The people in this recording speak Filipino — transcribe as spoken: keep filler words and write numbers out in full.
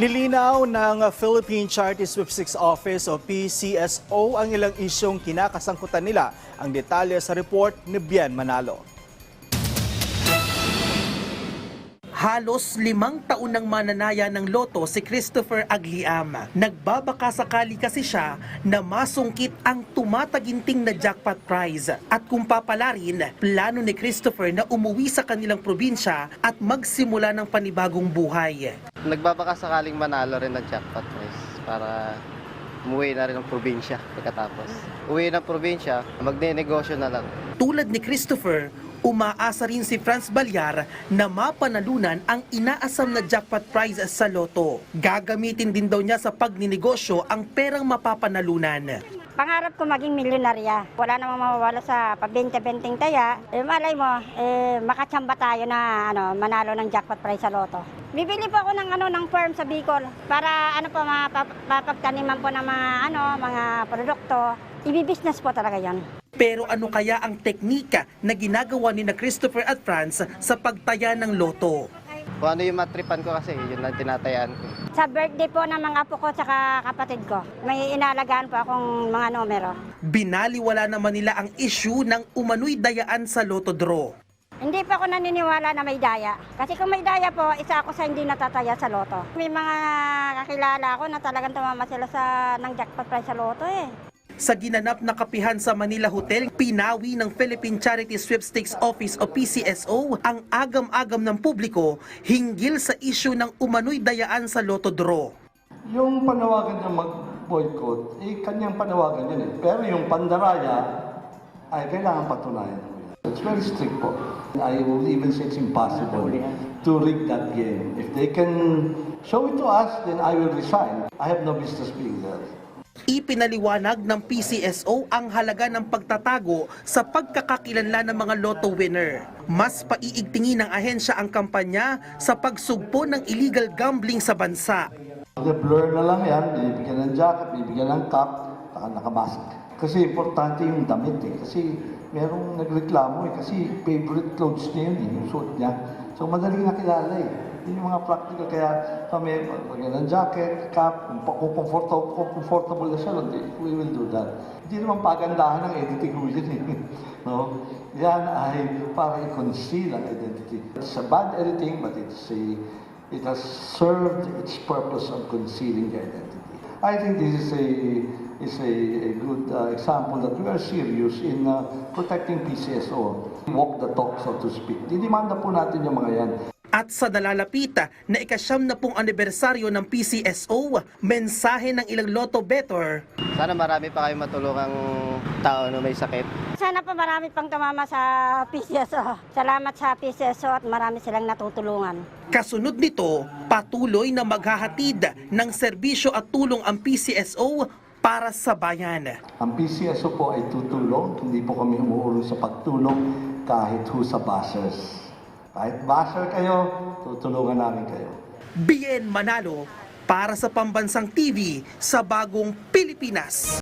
Nilinaw ng Philippine Charity Sweepstakes Office o P C S O ang ilang isyong kinakasangkutan nila. Ang detalye sa report ni Bien Manalo. Halos limang taon nang mananaya ng loto si Christopher Agliam. Nagbabaka sakali kasi siya na masungkit ang tumataginting na jackpot prize. At kung papalarin, plano ni Christopher na umuwi sa kanilang probinsya at magsimula ng panibagong buhay. Nagbabaka sakaling manalo rin ng jackpot prize para umuwi na rin ng probinsya pagkatapos. Uwi ng probinsya, magne-negosyo na lang. Tulad ni Christopher, umaasa rin si Franz Balyar na mapanalunan ang inaasam na jackpot prize sa loto. Gagamitin din daw niya sa pagninegosyo ang perang mapapanalunan. Pangarap ko maging milyonarya. Wala namang mawawala sa pagbente-benting taya. Eh, malay mo, eh, makatsamba tayo na ano, manalo ng jackpot prize sa loto. Bibili po ako ng ano ng farm sa Bicol para ano po mapapagtaniman po ng mga ano mga produkto. Ibi-business po talaga 'yan. Pero ano kaya ang teknika na ginagawa ni na Christopher at Franz sa pagtaya ng loto? Kung ano yung matripan ko kasi, yun ang tinatayaan ko. Sa birthday po ng mga apo ko at kapatid ko, may inalagaan po akong mga numero. Binaliwala naman nila ang issue ng umano'y dayaan sa loto draw. Hindi pa ako naniniwala na may daya. Kasi kung may daya po, isa ako sa hindi natataya sa loto. May mga kakilala ko na talagang tumama sila sa ng jackpot prize sa loto eh. Sa ginanap na kapihan sa Manila Hotel, pinawi ng Philippine Charity Sweepstakes Office o P C S O ang agam-agam ng publiko hinggil sa issue ng umano'y dayaan sa loto draw. Yung panawagan niya mag-boycott, eh kanyang panawagan yun eh. Pero yung pandaraya ay kailangan patunayan. It's very strict po. I will even say it's impossible to rig that game. If they can show it to us, then I will resign. I have no business being there. Ipinaliwanag ng P C S O ang halaga ng pagtatago sa pagkakakilanlan ng mga lotto winner. Mas paiigtingin ng ahensya ang kampanya sa pagsugpo ng illegal gambling sa bansa. The-blur na lang yan, bibigyan ng jacket, bibigyan ng cap, saka nakamask. Kasi importante yung damit eh. Kasi merong nagreklamo eh. Kasi favorite clothes niya yun eh, yung suot niya. So madaling nakilala eh. Yun yung mga practical. Kaya kami, magyan ng jacket, cap, kung comfortable, kung comfortable na siya, we will do that. Hindi naman pagandahan ng identity ko yun eh. No? Yan ay para i-conceal ang identity. It's a bad editing, but it's a, it has served its purpose of concealing the identity. I think this is a is a, a good uh, example that we are serious in uh, protecting P C S O. Walk the talk, so to speak. Didimanda po natin yung mga yan. At sa nalalapita na ikasyam na pong anibersaryo ng P C S O, mensahe ng ilang lotto bettor. Sana marami pa kayong matulungang tao na may sakit. Sana pa marami pang tumama sa P C S O. Salamat sa P C S O at marami silang natutulungan. Kasunod nito, patuloy na maghahatid ng serbisyo at tulong ang P C S O para sa bayan. Ang P C S O po ay tutulong, hindi po kami umuulong sa pagtulong kahit ho sa bashers. Kahit basher kayo, tutulungan namin kayo. Bien Manalo para sa Pambansang T V sa Bagong Pilipinas.